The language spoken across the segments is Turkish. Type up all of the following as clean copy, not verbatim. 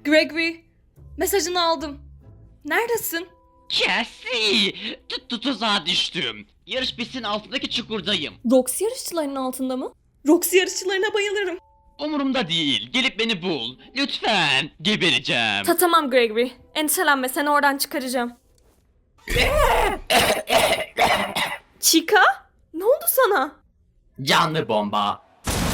Gregory, mesajını aldım. Neredesin? Cassie! Tuzağa düştüm. Yarış pistinin altındaki çukurdayım. Roxy yarışçılarının altında mı? Roxy yarışçılarına bayılırım. Umurumda değil. Gelip beni bul. Lütfen. Gebereceğim. Tamam Gregory, endişelenme, seni oradan çıkaracağım. Chica? Ne oldu sana? Canlı bomba.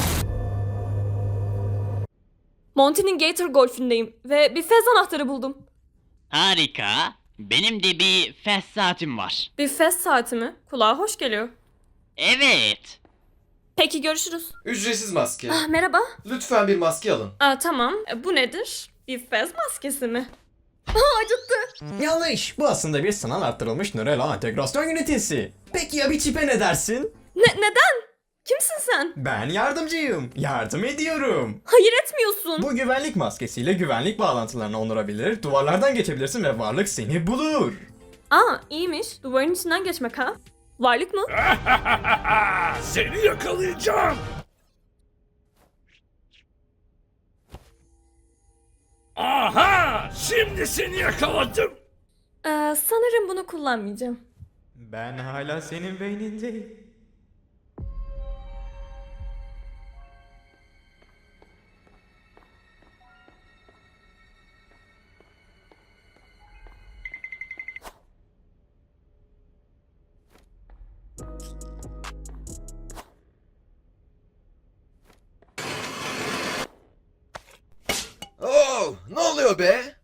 Monty'nin Gator Golf'ündeyim ve bir fez anahtarı buldum. Harika. Benim de bir fast saatim var. Bir fez saati mi? Kulağa hoş geliyor. Evet. Peki görüşürüz. Ücretsiz maske. Merhaba. Lütfen bir maske alın. Tamam. Bu nedir? Bir fez maskesi mi? Acıttı. Yanlış. Bu aslında bir sanal arttırılmış nöral ağ entegrasyon ünitesi. Peki ya bir çipe ne dersin? Neden? Kimsin sen? Ben yardımcıyım. Yardım ediyorum. Hayır etmiyorsun. Bu güvenlik maskesiyle güvenlik bağlantılarını onarabilir, duvarlardan geçebilirsin ve varlık seni bulur. İyiymiş. Duvarın içinden geçmek ha? Varlık mı? Seni yakalayacağım. Aha! Şimdi seni yakaladım. Sanırım bunu kullanmayacağım. Ben hala senin beynindeyim. Oo, ne oluyor be?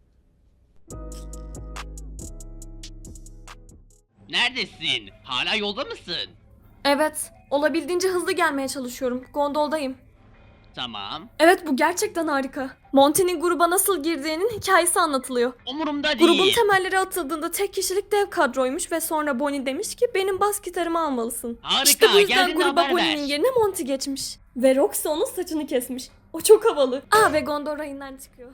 Neredesin? Hala yolda mısın? Evet. Olabildiğince hızlı gelmeye çalışıyorum. Gondoldayım. Tamam. Evet, bu gerçekten harika. Monty'nin gruba nasıl girdiğinin hikayesi anlatılıyor. Umurumda değil. Grubun temelleri atıldığında tek kişilik dev kadroymuş ve sonra Bonnie demiş ki benim bas gitarımı almalısın. Harika, İşte bu yüzden geldiğinde gruba haber ver. Bonnie'nin yerine Monty geçmiş. Ve Roxy onun saçını kesmiş. O çok havalı. Ve gondol rayından çıkıyor.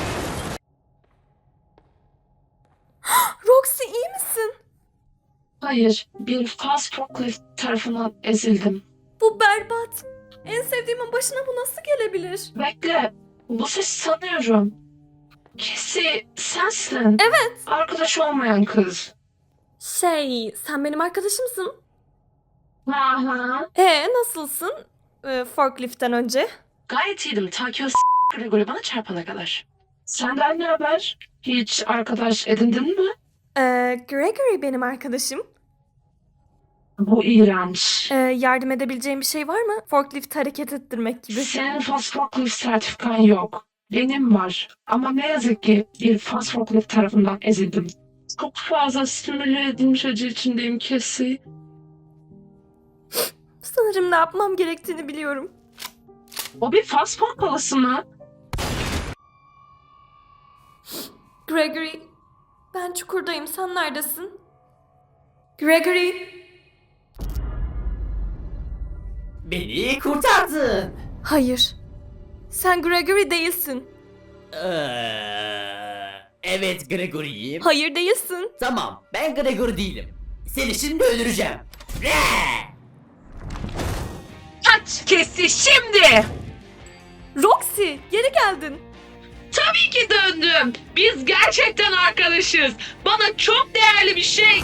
Roxy, iyi misin? Hayır, bir fast forklift tarafından ezildim. Bu berbat. En sevdiğimin başına bu nasıl gelebilir? Bekle, bu ses sanıyorum. Cassie, sensin. Evet. Arkadaş olmayan kız. Sen benim arkadaşımsın. Aha. Nasılsın? Forklift'ten önce. Gayet iyiydim, ta ki o Gregory bana çarpana kadar. Senden ne haber? Hiç arkadaş edindin mi? Gregory benim arkadaşım. Bu iğrenç. Yardım edebileceğim bir şey var mı? Forklift hareket ettirmek gibi. Senin fast forklift sertifikan yok. Benim var. Ama ne yazık ki bir fast forklift tarafından ezildim. Çok fazla stimüle edilmiş acı içindeyim Cassie. Sanırım ne yapmam gerektiğini biliyorum. O bir fast food palası mı? Gregory, ben çukurdayım. Sen neredesin? Gregory. Beni kurtardın. Hayır. Sen Gregory değilsin. Evet Gregory'yim. Hayır değilsin. Tamam, ben Gregory değilim. Seni şimdi öldüreceğim. Kaç Cassie şimdi! Roxy, geri geldin. Tabii ki döndüm. Biz gerçekten arkadaşız. Bana çok değerli bir şey.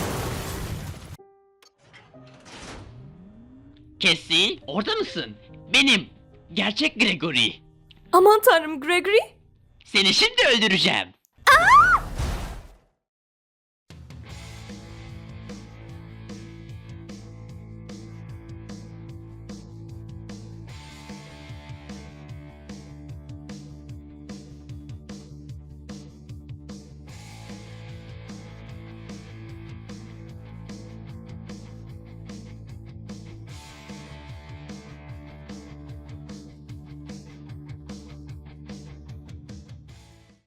Cassie, orada mısın? Benim. Gerçek Gregory. Aman tanrım Gregory. Seni şimdi öldüreceğim.